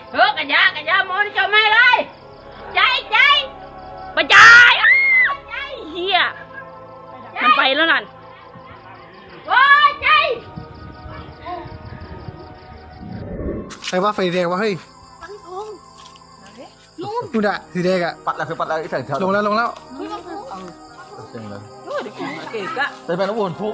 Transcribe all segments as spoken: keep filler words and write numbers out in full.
เฮ้ยกันยากันยามอนจะไม่เลยใจใจไปใจใจเฮียมันไปแล้วนั่นโอ้ยใจใครว่าไฟแดงวะเฮ้ยนู่นอะสีแดงอะปัดแล้วคือปัดแล้วไอ้แสงเทาลงแล้วลงแล้วเจ๋งเลยโอ้ยเก๋กะแต่เป็นน้ำวนทุก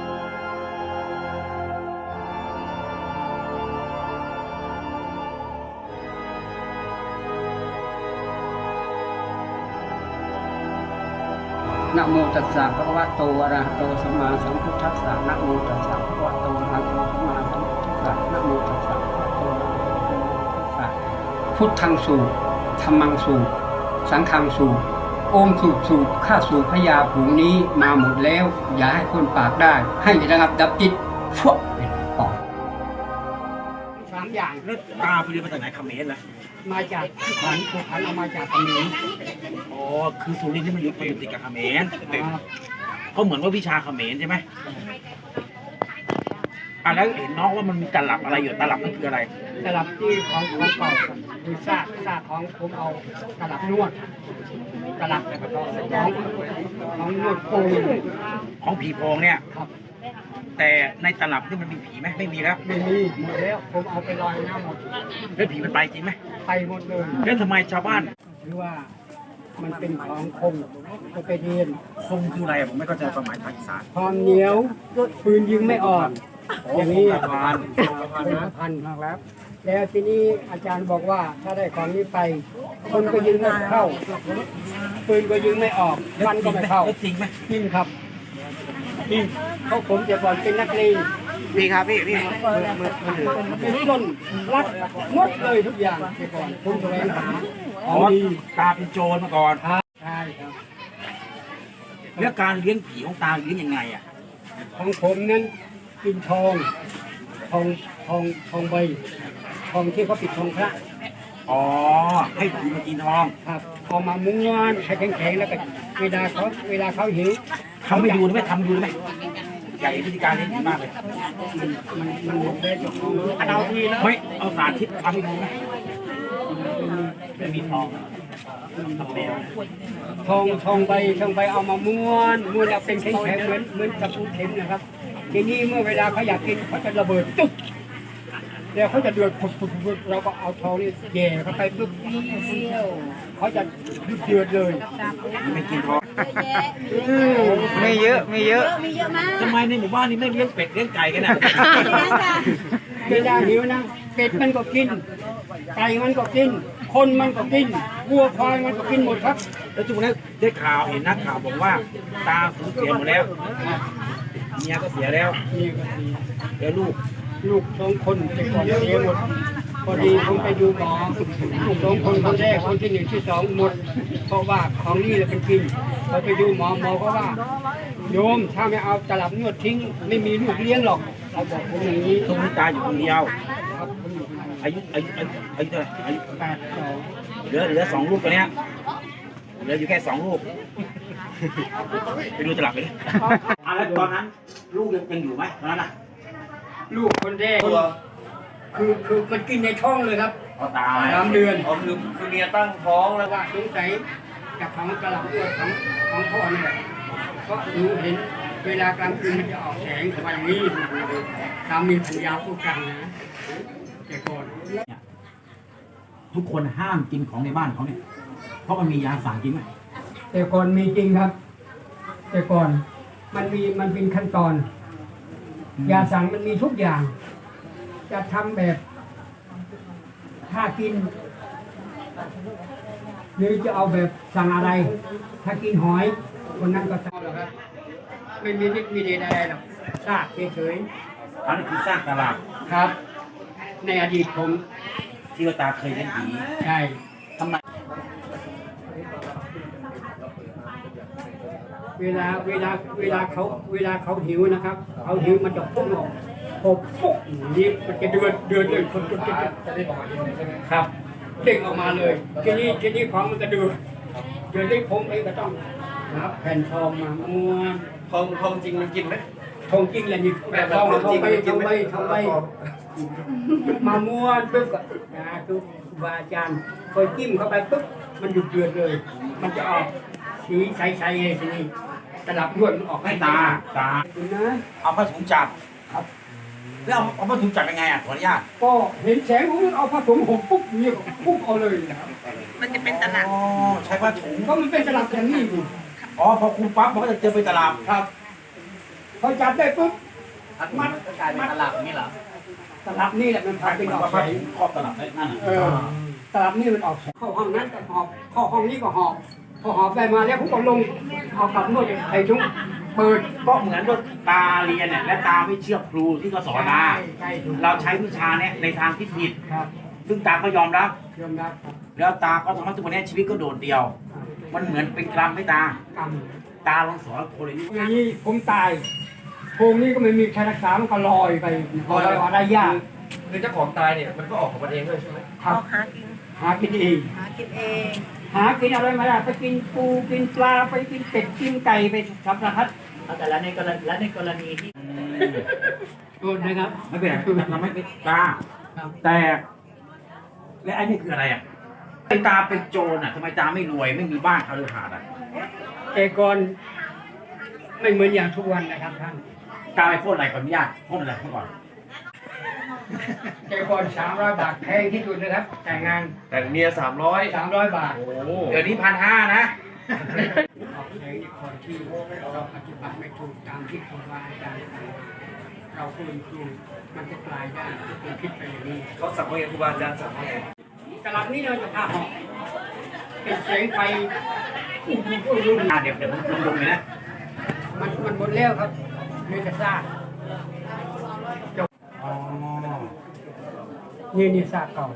นะโมตัสสะภะคะวะโตอะระหะโตสัมมาสัมพุทธัสสะนะโมตัสสะภะคะวะโตอะระหะโตสัมมาสัมพุทธัสสะนะโมตัสสะภะคะวะโตอะระหะโตสัมมาสัมพุทธัสสะพุทธังสูบธัมมังสูบสังฆังสูบโอมสูบสูบข้าสูบพญาผูงนี้มาหมดแล้วอย่าให้คนปากได้ให้ระงับดับจิตฟวกเป็นปอกสามอย่างแล้วตาไปเรียนมาจากไหนเขมรเหรอมาจากที่ขันผูกขันเอามาจากเขมรอ๋อคือสุรินทร์ที่มันอยู่มันอยู่ติดกับเขมรครับเขาเหมือนว่าวิชาเขมรใช่ไหมอ่ะแล้วเห็นน้องว่ามันมีตลับอะไรอยู่ตลับนั่นคืออะไรตลับที่ของของเก่าคือซากซากของผมเอาตลับนวดตลับของของนวดปูนของผีโพงเนี่ยครับแต่ในตลับนี่มันมีผีไหมไม่มีแล้วไม่มีหมดแล้วผมเอาไปลอยน้ำหมดแล้วผีมันไปจริงไหมไปหมดเลยแล้วทำไมชาวบ้านหรือว่ามันเป็นของคมก็ไปเรียนคงคืออะไรอะผมไม่เข้าใจความหมายภาษาอีสานความเหนียวปืนยิงไม่ออกอย่างนี้คงกระพานเป็นพันมากแล้วแล้วทีนี้อาจารย์บอกว่าถ้าได้ของนี้ไป คนก็ยิงไม่เข้าปืนก็ยิงไม่ออกฟันก็ไม่เข้าแล้วจริงไหมจริงครับจริงเขาผมจะก่อนเป็นนักเลงพี่ครับพี่พี่เป็นต้นรักหมดเลยทุกอย่างแต่ก่อนผมแสวงหาขอ๋อองดีตาเป็นโจรมาก่อนครับใช่ครับแล้วการเลี้ยงผีของตาเลี้ยงยังไงอ่ะของผมนั้นกินทองทองทองทองใบทองที่เขาปิดทองพระอ๋อให้ผีมากินทองครับเอามาม้วนให้แข็งๆแล้วก็เวลาเขาเวลาเขาหิวทำให้ดูได้ไหมทำดูได้ไหมอยากเห็นพิธีการเลี้ยงผีมากเลยมันมันมันหมดได้จากของเอาทีแล้วไม่เอาสาธิตทำให้ดูไหมไม่มีทองทำแมวทองทองใบทองใบเอามาม้วนม้วนแล้วเป็นแข็งๆเหมือนเหมือนตะปูเข็มนะครับทีนี้เมื่อเวลาเขาอยากกินเขาจะระเบิดตุ๊บแล้วเขาจะเดือดผุดผุดผุดเราก็เอาทองนี่แย่เข้าไปปุ๊บเขาจะเดือดเลยไม่กินทองไม่เยอะไม่เยอะมีเยอะมากทำไมในหมู่บ้านนี้ไม่เลี้ยงเป็ดเลี้ยงไก่กันอ่ะเวลาหิวนะเป็ดมันก็กินไก่มันก็กิน คนมันก็กินวัวควายมันก็กินหมดครับแล้วทุกวันนี้ได้ข่าวเห็นนักข่าวบอกว่า ตาสูญเสียหมดแล้วเมียก็เสียแล้วนี่ก็ดีเดี๋ยวลูกลูกสองคนแต่ก่อนเสียหมดพอดีผมไปดูหมอลูกสองคนคนแรกคนที่หนึ่งที่สองหมด เพราะว่าของนี่แหละเป็นกินพอไปดูหมอหมอก็ว่าโยมถ้าไม่เอาตลับนวดทิ้ง ไม่มีลูกเลี้ยงหรอกเราบอกผมอย่างนี้ทุกนี้ตาอยู่คนเดียวครับผมอยู่ข้างในอายุอายุอายุอายุเท่าไหร่อายุแปดสองเหลือเหลือสองลูกตัวเนี้ยเหลืออยู่แค่สองลูกไปดูตลับไปดิอ่ะแล้วตอนนั้นลูกยังยังอยู่ไหมตอนนั้นอ่ะลูกคนแรกคือคือมันกินในท้องเลยครับอ๋อตายสามเดือนอ๋อคือคือเมียตั้งท้องแล้วว่าสงสัยจากของตลับนวดของของพ่อนี่แหละเพราะหนูเห็นเวลากลางคืนมันจะออกแสงแต่ว่าอย่างนี้สามีภรรยาพูดกันนะแต่ก่อนทุกคนห้ามกินของในบ้านเขาเนี่ยเพราะมันมียาสารจริงไหมแต่ก่อนมีจริงครับ แต่ก่อนมันมีมันเป็นขั้นตอน ยาสั่งมันมีทุกอย่าง จะทำแบบ ถ้ากิน หรือจะเอาแบบสั่งอะไร ถ้ากินหอยคนนั้นก็ทำหรอกครับ ไม่มีนิดมีเดนอะไรหรอกซากเฉยอันนั้นคือสร้างตลาดๆครับ ในอดีตผมที่ว่าตาเคยเลี้ยงผีใช่ทำไมเวลาเวลาเวลาเขาเวลาเขาหิวนะครับเขาหิวมันจะพุ่งออกพอปุ๊บนี่มันจะเดือดเดือดเลยคนจะจะได้ออกมาใช่ไหมครับเด้งออกมาเลยทีนี้ทีนี้ของมันจะเดือดเดือดที่ผมเองก็ต้องนับแผ่นทองมาม้วนทองทองจริงมันกินไหมทองจริงแหละนี่แบบทองทองใบทองใบทองใบกินมาม้วนปุ๊บก็นะคือครูบาอาจารย์คอยจิ้มเข้าไปปุ๊บมันหยุดเดือดเลย มันจะออกสีใสๆเลยทีนี้ตลับนวดมันออกให้ให้ตาตาตาคุณนะเอาผ้าถุงจับครับแล้วเอาเอาผ้าถุงจับยังไงอ่ะขออนุญาตก็เห็นแสงผมเอาผ้าถุงห่มปุ๊บนี่ก็ปุ๊บเอาเลยนะครับมันจะเป็นตลับอ๋อใช้ผ้าถุงก็มันเป็นตลับอย่างนี้อยู่อ๋อพอคุมปั๊บมันก็จะเจอเป็นตลับครับพอจับได้ปุ๊บมันกลายเป็นตลับนี่เหรอตลับนี่แหละมันพาเป็นออกผ้าแสงถุงครอบตลับได้นั่นเออตลับนี่มันออกแสงเข้าห้องนั้นก็หอบเข้าห้องนี้ก็หอบพอหอบไปมาแล้วผมก็ลงเอากลับนวดใส่ถุงเปิดก็เหมือนว่าตาเรียนเนี่ยและตาไม่เชื่อครูที่เขาสอนมาใช่ถูกเราใช้วิชาเนี่ยในทางที่ผิดครับซึ่งตาก็ยอมรับยอมรับครับแล้วตาก็ทำให้ทุกวันนี้ชีวิตก็โดดเดี่ยว มันเหมือนเป็นกรรมให้ตากรรมตาลองสอนคนเลยนี่อย่างนี้ผมตายโพรงนี้ก็ไม่มีใครรักษามันก็ลอยไปลอยออกได้ยากคือเจ้าของตายเนี่ยมันก็ออกของมันเองด้วยใช่ไหมครับหากินหากินเองหากินเองหากินอะไรมาได้ไปกินปูกินปลาไปกินเป็ดกินไก่ไปสารพัดแต่ละในกรณีและในกรณีที่โทษนะครับไม่เป็นไรทำให้เป็นตาครับแต่และไอ้นี่คืออะไรอ่ะไอ้ตาเป็นโจรอ่ะทำไมตาไม่รวยไม่มีบ้านคาลือหาดอ่ะแต่ก่อนไม่เหมือนอย่างทุกวันนะครับท่านตาไปพ่นอะไรขออนุญาตพ่นอะไรเมื่อก่อนแต่ก่อนสามร้อยบาทแพงที่สุดนะครับแต่งงานแต่เมียสามร้อยสามร้อยบาทโอ้โหเดี๋ยวนี้พันห้านะออกแรงในคนที่เราปฏิบัติไม่ถูกตามที่ครูบาอาจารย์สั่งเราเป็นครูมันจะกลายได้เป็นคิดไปอย่างนี้เขาสั่งว่าไงครูบาอาจารย์สั่งว่าไงตลับนี้เราจะพาหอกเป็นแสงไฟอุ้มอุ้มอุ้มอ่ะเดี๋ยวเดี๋ยวผมลงเลยนะมันมันหมดแล้วครับเนื้อจะซากจบอ๋อนี่นี่ซากเก่า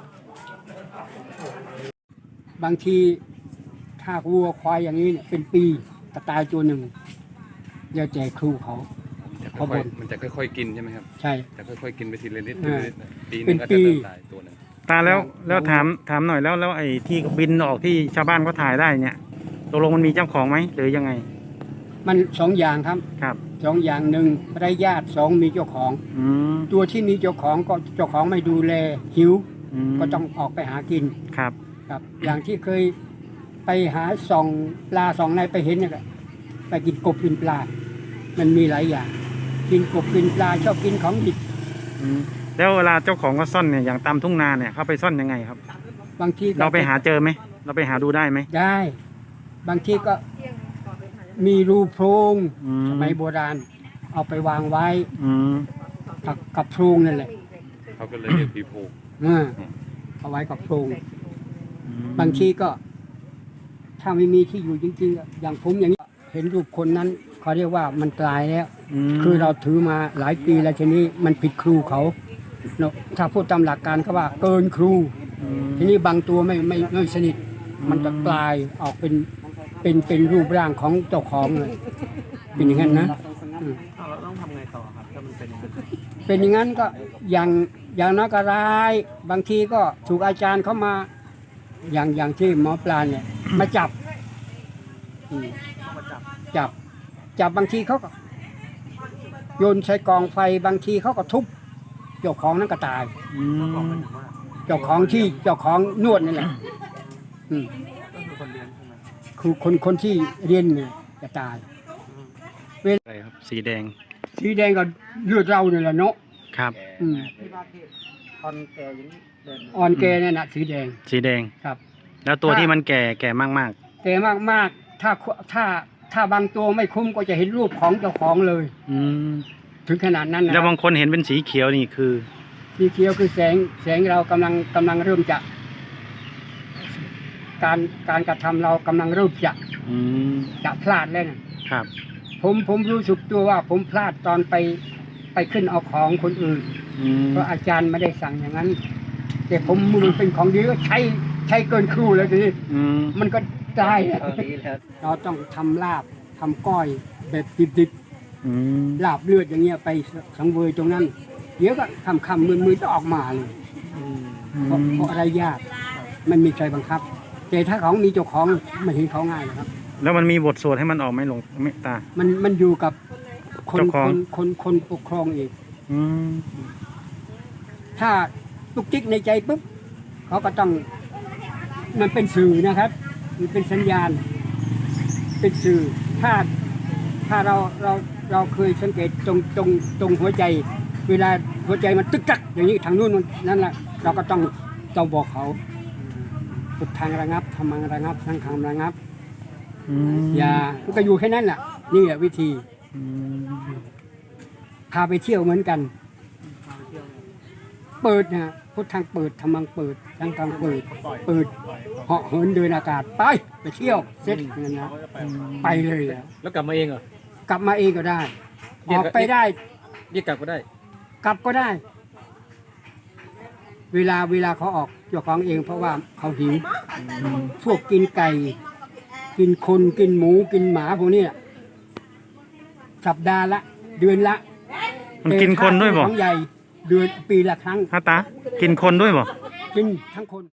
บางทีถ้าวัวควายอย่างนี้เนี่ยเป็นปีกระตายตัวหนึ่งเดี๋ยวแจกครูเขาจะเขาค่อยบ่นๆมันจะค่อยๆกินใช่ไหมครับใช่จะค่อยๆกินไปทีละนิดเอทีอละนิดนะปีหเป็นึนงก็ปีจะเริ่มตายตัวหนึงตาแล้วแล้วถามถามหน่อยแล้วแล้วไอ้ที่บินออกที่ชาวบ้านก็ถ่ายได้เนี่ยตกลงมันมีเจ้าของไหมหรือยังไงมันสองอย่างครับครับสองอย่างหนึ่งไร้ญาติสองมีเจ้าของอืมตัวที่มีเจ้าของก็เจ้าของไม่ดูแลหิวมก็ต้องออกไปหากินครับครับ อย่างที่เคยไปหาส่องปลาส่องในไปเห็นเนี่ยก็ไปกินกบกินปลา มันมีหลายอย่าง กินกบกินปลาชอบกินของดิบอืมแล้วเวลาเจ้าของก็ซ่อนเนี่ยอย่างตามทุ่งนาเนี่ยเขาไปซ่อนยังไงครับบางทีก็เราไปหาเจอไหมเราไปหาดูได้ไหมได้ บางทีก็มีรูโพรงอืมสมัยโบราณ เอาไปวางไว้อืมกับกับโพรงนั่นแหละเขาก็เลยเรียกผีโพงเออเอาไว้กับโพรงอืมบางทีก็ ถ้าไม่มีที่อยู่จริงๆอะอย่างผมอย่างนี้เห็นรูปคนนั้นเขาเรียกว่ามันตายแล้วมคือเราถือมาหลายปีแล้วทีนี้มันผิดครูเขาเนอะถ้าพูดตามหลักการเขาว่าเกินครูอืมทีนี้บางตัวไม่ไม่ไม่สนิท มันจะกลายออกเป็นเป็นเป็นรูปร่างของเจ้าของเลยเป็นอย่างนั้นนะอืมเราต้องทำไงต่อครับถ้ามันเป็นอย่างนั้นเป็นอย่างนั้นก็อย่างอย่างน้อยก็ร้าย บางทีก็ถูกอาจารย์เข้ามา อย่างอย่างที่หมอปลาเนี่ย มาจับอืมจับ จับบางทีเขาก็โยนใส่กองไฟบางทีเขาก็ทุบเจ้าของนั้นก็ตายอืมเจ้าของที่เจ้าของนวดนี่แหละอืมคือคนคนที่เรียนเนี่ยจะตายอะไรครับสีแดงสีแดงก็เลือดเราเนี่ยแหละเนาะครับอืมตอนแกอย่างนี้เดินอ่อนแกเนี่ยนะสีแดงสีแดงครับแล้วตัวที่มันแก่แก่มากแกมากมากๆถ้าถ้าถ้าบางตัวไม่คุ้มก็จะเห็นรูปของเจ้าของเลยๆอืมถึงขนาดนั้นนะแล้วบางคนเห็นเป็นสีเขียวนี่คือสีเขียวคือแสงแสงเรากำลังกำลังเริ่มจะ การการกระทำเรากำลังเริ่มจะอืมจะพลาดแล้วนะครับ ผมผมรู้สึกตัวว่าผมพลาดตอนไปไปขึ้นเอาของคนอื่นอืมเพราะอาจารย์ไม่ได้สั่งอย่างนั้น แต่ผมมันเป็นของดีก็ใช้ใช้เกินครูแล้วทีนี้อืมมันก็ได้อะตอนนี้แล้วเราต้องทำลาบทำก้อยแบบดิบอืมๆลาบเลือดอย่างเงี้ยไปสังเวยตรงนั้น เดี๋ยวก็คำคำมือมือจะออกมาเลยเพราะเพราะอะไรยากมันมีใจบังคับ แต่ถ้าของมีเจ้าของไม่เห็นเขาง่ายนะครับแล้วมันมีบทสวดให้มันออกไหมหลวงไม่ตามันมันอยู่กับคนเจ้าขคองนคนคนปกครองเองอืมถ้าตุกจิกในใจปุ๊บเขาก็ต้องมันเป็นสื่อนะครับมันเป็นสัญญาณเป็นสื่อถ้าถ้าเราเราเราเคยสังเกตตรงตรงตรงหัวใจ เวลาหัวใจมันตึกตักอย่างนี้ทางนู้นนั่นแหละเราก็ต้องต้องบอกเขาพุทธังระงับธรรมังระงับสังฆังระงับอืมอย่ามันก็อยู่แค่นั้นแหละนี่แหละวิธีอืมพาไปเที่ยวเหมือนกัน เปิดนะพุทธังเปิดธรรมังเปิดสังฆังเปิดเปิดเหาะเหินเดินอากาศไปไปเที่ยวเสร็จอย่างนั้นนะไปเลยอะแล้วกลับมาเองเหรอกลับมาเองก็ได้ออกไปได้เรียกกลับก็ได้กลับก็ได้ เวลาเวลาเขาออกเจ้าของเองเพราะว่าเขาหิวพวกกินไก่ กินคนกินหมูกินหมาพวกนี้น่ะสัปดาห์ละเดือนละมันกินคนด้วยบ่ของใหญ่เดือนปีละครั้งฮะตา กินคนด้วยบ่กินทั้งคน